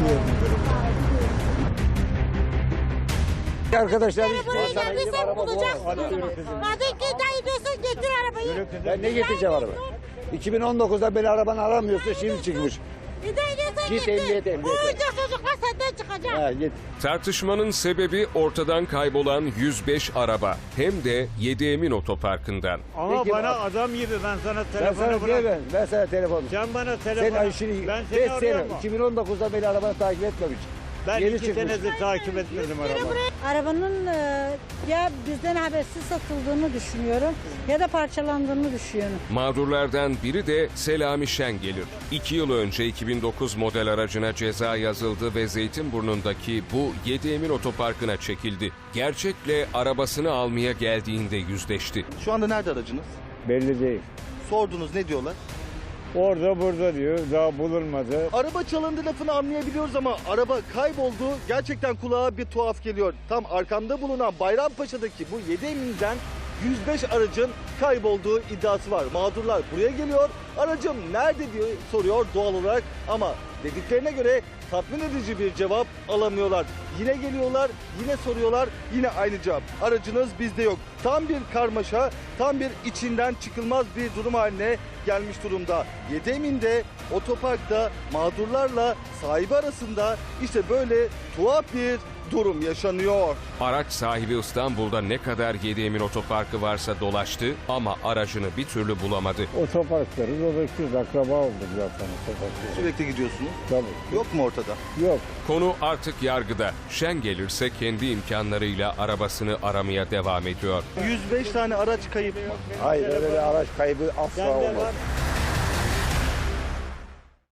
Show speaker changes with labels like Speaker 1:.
Speaker 1: Arkadaşlar hiç
Speaker 2: Buraya geldiysen bulacaksın. Madem ki iddia ediyorsan getir arabayı.
Speaker 1: ben ne getireceğim araba? 2019'da beni arabanı aramıyorsa şimdi çıkmış.
Speaker 2: İddia ediyorsan
Speaker 1: Git
Speaker 2: getir.
Speaker 1: emniyete.
Speaker 2: Bu oyuncak çocuklar senden çıkacak.
Speaker 1: Ha, git.
Speaker 3: Tartışmanın sebebi ortadan kaybolan 105 araba hem de 7 Emin Otoparkı'ndan.
Speaker 4: Ama
Speaker 1: Peki,
Speaker 4: bana
Speaker 1: bak.
Speaker 4: adam gibi ben sana
Speaker 1: Ben
Speaker 4: telefonu
Speaker 1: sana
Speaker 4: bırak.
Speaker 1: ben sana telefon.
Speaker 4: Sen bana
Speaker 1: Sen
Speaker 4: telefonu.
Speaker 1: işini
Speaker 4: Ben
Speaker 1: 5
Speaker 4: seni
Speaker 1: sene
Speaker 4: arıyorum mu?
Speaker 1: 2019'da beni arabanı takip etmemiş.
Speaker 4: Ben
Speaker 1: Yeni
Speaker 4: 2
Speaker 1: çıkmış.
Speaker 4: senedir takip etmedim arabayı.
Speaker 5: Arabanın ya bizden habersiz satıldığını düşünüyorum ya da parçalandığını düşünüyorum.
Speaker 3: Mağdurlardan biri de Selami Şengelir. 2 yıl önce 2009 model aracına ceza yazıldı ve Zeytinburnu'ndaki bu 7 Emin Otoparkı'na çekildi. Gerçekle arabasını almaya geldiğinde yüzleşti.
Speaker 6: Şu anda nerede aracınız?
Speaker 1: Belli değil.
Speaker 6: Sordunuz, ne diyorlar?
Speaker 4: Orada burada diyor, daha bulunmadı.
Speaker 6: Araba çalındı lafını anlayabiliyoruz ama araba kayboldu. Gerçekten kulağa bir tuhaf geliyor. Tam arkamda bulunan Bayrampaşa'daki bu 7 Emin'den 105 aracın kaybolduğu iddiası var. Mağdurlar buraya geliyor. Aracım nerede diye soruyor doğal olarak ama dediklerine göre tatmin edici bir cevap alamıyorlar. Yine geliyorlar, yine soruyorlar, yine aynı cevap. Aracınız bizde yok. Tam bir karmaşa, tam bir içinden çıkılmaz bir durum haline gelmiş durumda. 7 Emin'de otoparkta mağdurlarla sahibi arasında işte böyle tuhaf bir durum yaşanıyor.
Speaker 3: Araç sahibi İstanbul'da ne kadar 7 Emin Otoparkı varsa dolaştı ama aracını bir türlü bulamadı.
Speaker 4: Otoparkları dolaşıyoruz, akraba olduk zaten otoparkları.
Speaker 6: Sürekli gidiyorsunuz.
Speaker 4: Tabii.
Speaker 6: Yok mu ortada?
Speaker 4: Yok.
Speaker 3: Konu artık yargıda. Şen gelirse kendi imkanlarıyla arabasını aramaya devam ediyor.
Speaker 6: 105 tane araç kayıp mı?
Speaker 1: Hayır öyle bir araç kaybı asla
Speaker 4: Sende
Speaker 1: olmaz.
Speaker 4: var.